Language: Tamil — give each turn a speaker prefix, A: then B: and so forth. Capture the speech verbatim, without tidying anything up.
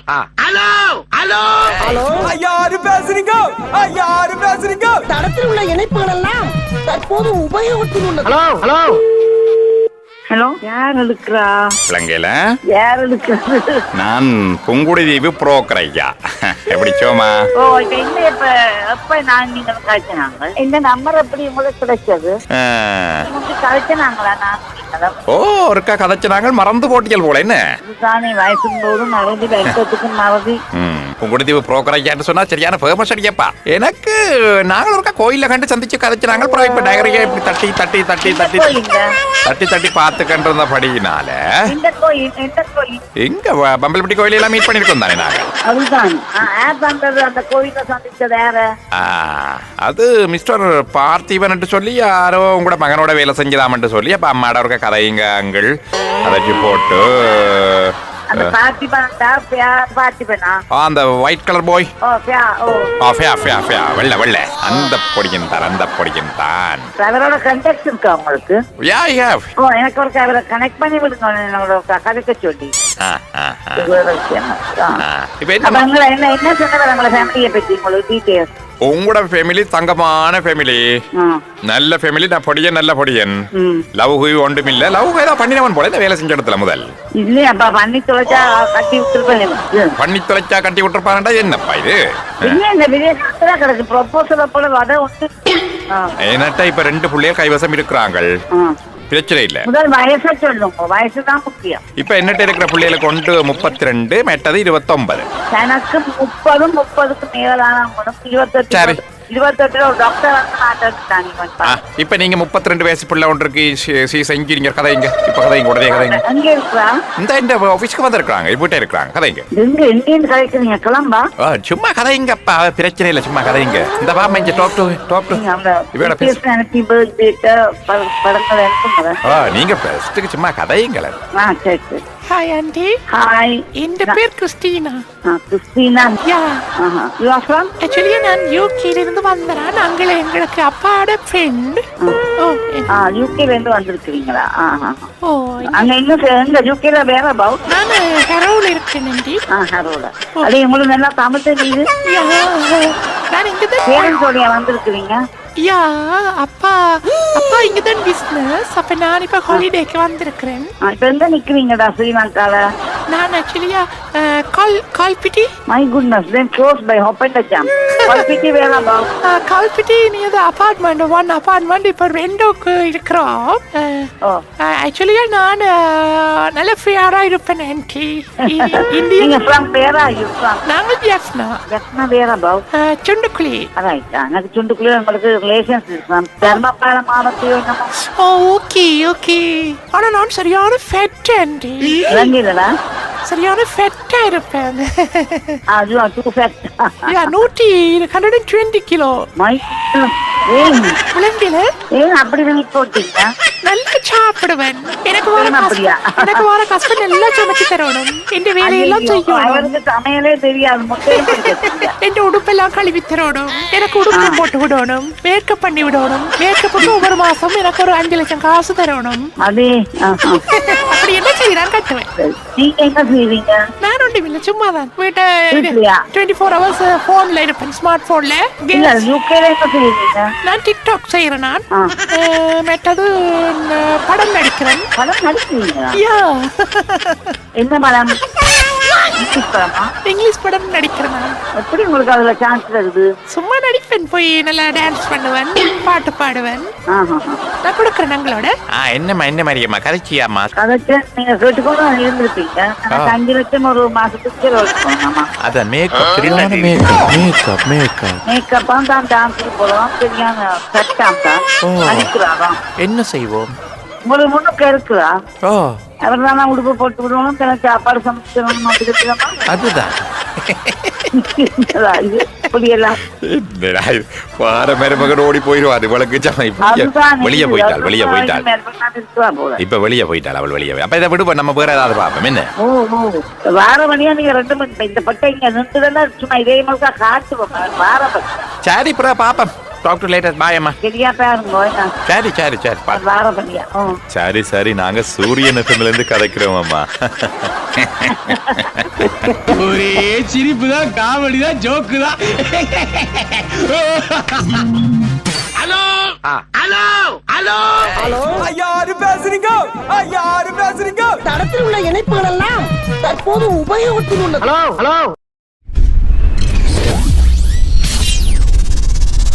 A: ஹலோ ஹலோ
B: ஹலோ யாரு பேசுறீங்க? யாரு பேசுறீங்க?
C: தடத்தில் உள்ள இணைப்புகள் எல்லாம் தற்போது உபயோகத்தில் உள்ளது.
A: ஹலோ ஹலோ
D: ஹலோ, யார் எடுக்கிறா?
E: இலங்கையில
D: யார் எடுக்கிறது?
E: நான் புங்குடுதீவு புரோக்கர் ஐயா. எப்படி சோமா?
D: ஓ, இப்ப என்ன இப்ப எப்ப நான் நீங்க கழிச்சினாங்க இந்த நம்பர் எப்படி உங்களுக்கு கிடைச்சது? உங்களுக்கு கழிச்சினாங்களா? நான்
E: ஓ ஒருக்கா கதைச்சினாங்க மறந்து போட்டியல் போல என்ன
D: தானே வயசும் போதும் மறதி வைக்கிறதுக்கு மறதி.
E: புங்குடுதீவு புரோக்கர் ஐயான்னு சொன்னா சரியான ஃபேமஸ் அடியப்பா. எனக்கு நாங்களும் ஒருக்கா கோயில கண்டு சந்திச்சு கதைச்சினாங்க. அப்புறம் இப்ப நகரையா இப்படி தட்டி தட்டி தட்டி தட்டி தட்டி தட்டி பார்த்துக்கின்ற படியினால எங்க பம்பல்பட்டி கோயில எல்லாம் மீட் பண்ணிருக்கோம் தானே நாங்க.
D: அதுதான் அந்த கோயில சந்திச்சது யார?
E: அது மிஸ்டர் பார்த்திபன் சொல்லி யாரோ உங்களோட மகனோட வேலை செஞ்சதாமன்ட்டு சொல்லி அப்ப அம்மாட இருக்க கதைங்க அங்கள் அதற்கு போட்டு
D: அந்த
E: ஒயிட் கலர் பாய் வெள்ள வெள்ள அந்த பொடியின் தான் அந்த பொடியின் தான்
D: அவரோட கண்டக்ட் இருக்கா உங்களுக்கு?
E: யா யா
D: ஓ எனக்கு ஒரு அவரை கனெக்ட் பண்ணி விடுங்க என்னோட கதைக்க சொல்லி.
E: இப்ப என்ன
D: என்ன என்ன சொன்னது உங்களோட ஃபேமிலியை பத்தி உங்களுக்கு டீடைல்ஸ்?
E: உங்களோட ஃபேமிலி தங்கமான ஃபேமிலி, நல்ல ஃபேமிலி. நான் பொடியன் நல்ல பொடியன். லவ் ஒன்றும் இல்ல. லவ் ஏதாவது பண்ணினவன் போல இந்த வேலை செஞ்ச இடத்துல முதல்
D: இல்லையாப்பா பண்ணி தொலைச்சா கட்டி விட்டுருப்பேன்.
E: பண்ணி தொலைச்சா கட்டி விட்டுருப்பான்டா. என்னப்பா இது?
D: இந்த விதத்துல கிடக்கு ப்ரொபோசல் போல வத ஒன்று.
E: என்னட்டா இப்ப ரெண்டு பிள்ளைய கைவசம் இருக்கிறாங்க. பிரச்சனை இல்ல.
D: முதல் வயசை சொல்லுங்க, வயசுதான் முக்கியம்.
E: இப்ப என்னட்ட இருக்கிற பிள்ளைகளுக்கு ஒன்று முப்பத்தி ரெண்டு மெட்டது இருபத்தி ஒன்பது.
D: எனக்கு முப்பதும் முப்பதுக்கு மேலான இருபத்தெட்டு இருபத்தெட்டுல ஒரு டாக்டர் வந்து மாட்டாங்க.
E: இப்ப நீங்க முப்பத்தி ரெண்டு வயசு பிள்ளை ஒன்றுக்கு செஞ்சீங்க கதைங்க. இப்ப கதைங்க உடனே கதைங்க.
D: அங்கே இருக்கிறா
E: இந்த இந்த ஆபீஸ்க்கு வந்து இருக்கிறாங்க. இப்ப இருக்கிறாங்க கதைங்க.
D: எங்க எங்கேன்னு கதைக்கிறீங்க? கிளம்பா
E: சும்மா கதைங்கப்பா. பிரச்சனை இல்ல, சும்மா கதைங்க. இந்த பாமா இங்க டாப் டு டாப் டு இவட பேச
D: ஹாப்பி பர்த்டே படங்கள் எடுத்துங்க.
E: நீங்க ஃபர்ஸ்ட்க்கு சும்மா கதைங்கள.
D: ஆ சரி சரி.
F: Hi aunty.
D: ஹாய்.
F: இந்த பேர் கிறிஸ்டினா.
D: கிறிஸ்டினா.
F: யா.
D: ஆஹா. You are from?
F: ஆக்சுவலி நான் யூகேல இருந்து வந்தேன். அங்க எங்களுக்கு அப்பாவோட ஃப்ரெண்ட். ஓ.
D: ஆ யூகேல இருந்து வந்திருக்கீங்களா? ஆஹா.
F: ஓ.
D: அங்க இன்னும் எங்க யூகேல வேற அபௌட்?
F: நான் ஹரோல இருக்கேன் ஆண்டி.
D: ஆ ஹரோல. அது உங்களுக்கு நல்லா தமிழ் தெரியுது?
F: யா. நான் இங்க தான்
D: பேரண்ட்ஸோட வந்திருக்கீங்க?
F: யா. அப்பா அப்பா இங்க தான் பிசினஸ். அப்ப நான் இப்ப ஹாலிடேக்கு வந்திருக்கிறேன்.
D: இப்ப எங்க நிக்கிறீங்கடா ஸ்ரீலங்கால?
F: நான் ஆக்சுவலியா கால் Kalpitiya.
D: My goodness, then close by ஹொப்பண்டச்சம். கால்பிட்டி வேற about?
F: Kalpitiya near the apartment, one apartment. இப்ப ரெண்டோக்கு இருக்கிறோம். ஆக்சுவலியா நான் நல்ல ஃப்ரீயா இருப்பேன் ஆண்டி.
D: நீங்க from where are you from?
F: நாங்க ஜெஃப்னா.
D: ஜெஃப்னா வேற அபௌட்?
F: சுண்டுக்குழி.
D: ரைட். எனக்கு சுண்டுக்குழி உங்களுக்கு ரிலேஷன்ஸ் இருக்கு. தர்மபால மாவட்டத்தில நம்ம.
F: Oh okay okay. ஆனா நான் சரியான ஃபேட் ஆண்டி.
D: ரங்கிலடா
F: சரியான ஃபேட்டா இருப்பேன்.
D: ஆ you are too fat.
F: Yeah நூற்றி நூற்றி இருபது கிலோ.
D: மை ஏன்
F: புலங்கில
D: ஏன் அப்படி வெயிட் போட்டீங்க?
F: நல்லா சாப்பிடுவேன். எனக்கு வர எனக்கு வர கஷ்டம் நல்லா சமைச்சு தரணும். இந்த வேலையெல்லாம் செய்யணும்.
D: அவருக்கு சமையலே தெரியாது.
F: என் உடுப்பெல்லாம் கழுவி தரணும். எனக்கு உடுப்பு போட்டு விடணும். மேக்கப் பண்ணி விடணும். மேக்கப்புக்கு ஒவ்வொரு மாசம் எனக்கு ஒரு அஞ்சு லட்சம் காசு தரணும்.
D: அதே
F: அப்படி என்ன செய்யறான் கட்டுவேன்.
D: நீங்க என்ன செய்வீங்க?
F: நான் ஒன்றும் இல்லை, சும்மா தான் வீட்டை டுவெண்ட்டி ஃபோர் ஹவர்ஸ் போன்ல இருப்பேன், ஸ்மார்ட் போன்ல.
D: யூகேல என்ன செய்வீங்க?
F: நான் டிக்டாக் செய்யறேன். நான் மெட்டது படம் நடிக்கிறேன்.
D: படம் நடிக்கிறீங்களா?
F: யா.
D: என்ன படம்? இங்கிலீஷ் படமா?
F: இங்கிலீஷ் படம் நடிக்கிறேன்.
D: எப்படி உங்களுக்கு அதுல சான்ஸ் வருது?
F: சும்மா நடிப்பேன். போய் நல்லா டான்ஸ் பண்ணுவேன், பாட்டு பாடுவேன். நான் கொடுக்குறேன் உங்களோட.
E: என்னம்மா என்ன மாதிரியம்மா கதைச்சியாம்மா?
D: கதைச்சு நீங்க கேட்டுக்கொண்டு இருந்திருப்பீங்க. எனக்கு அஞ்சு லட்சம் ஒரு மாசத்துக்கு வச்சுக்கோங்கம்மா.
E: அதான் மேக்கப் மேக்கப் மேக்கப் மேக்கப்
D: மேக்கப்பா தான் டான்ஸ் போடுவோம். சரியான சட்டம் தான் நடிக்கிறாராம்.
E: என்ன செய்வோம்?
D: உங்களுக்கு முன்னுக்கு இருக்குதா?
E: ஓ
D: அவர் தானே உடுப்பு போட்டு விடுவோம். எனக்கு சாப்பாடு சமைச்சிடணும்.
E: அதுதான் ஓடி போயிடுவாரு. வெளியே போயிட்டாள் வெளியே போயிட்டாள் இப்ப வெளியே போயிட்டாள் அவள் வெளியே. அப்ப இதை விடுவோம், நம்ம வேற ஏதாவது பார்ப்போம். என்ன
D: வார வழியா நீங்க ரெண்டு மணி இந்த பட்டை இங்க நின்றுதான் சும்மா இதே மாதிரி காட்டுவோம். வார
E: சரி பிற பாப்பம் டாக் டு லேட்டர் பாய் அம்மா.
D: சரியா பாருங்க
E: சரி சரி சரி பா.
D: வார பண்ணியா
A: சரி சரி நாங்க சூரியன் எஃப்எம்ல இருந்து கதைக்கிறோம் அம்மா.
B: ஒரே சிரிப்பு தான், காமெடி தான், ஜோக்கு தான். ஹலோ ஹலோ ஹலோ ஹலோ யாரு பேசுறீங்க? யாரு பேசுறீங்க?
C: தடத்தில் உள்ள இணைப்புகள் எல்லாம் தற்போது உபயோகத்தில் உள்ளது.
B: Hello hello